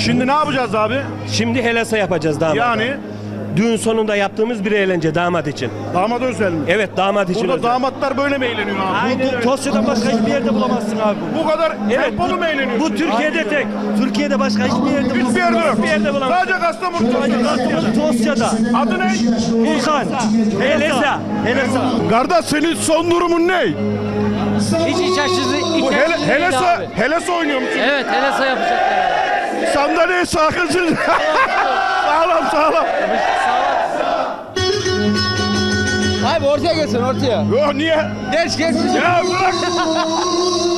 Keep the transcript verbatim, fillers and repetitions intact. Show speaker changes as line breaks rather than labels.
Şimdi ne yapacağız abi?
Şimdi helasa yapacağız damat.
Yani
Düğün sonunda yaptığımız bir eğlence damat için.
damat özel mi?
Evet, damat için
Burada
özel.
damatlar böyle mi eğleniyor abi?
Aynen öyle.
Tosya'dan başka hiçbir yerde bulamazsın abi.
Bu kadar
Evet,
tempolu
bu-
mu eğleniyorsun?
Bu Türkiye'de tek.
Türkiye'de başka hiçbir yerde bulamazsın.
Hiçbir yerde yok.
Hiçbir yerde bulamazsın.
Sadece Kastamonu'da.
Tosya'da.
Adı ne?
Volkan.
Helesa.
Helesa.
Kardeş senin son durumun ne?
Hiç iç açıcı, iç
Bu
açıcı
hele,
değil
helesa,
abi.
helesa oynuyor musun?
Evet, helesa yapacaklar.
Sandalyeye sakınsın. Sağlam sağlam.
Abi ortaya gelsin ortaya.
Yo niye?
Geç geç.
Ya bırak.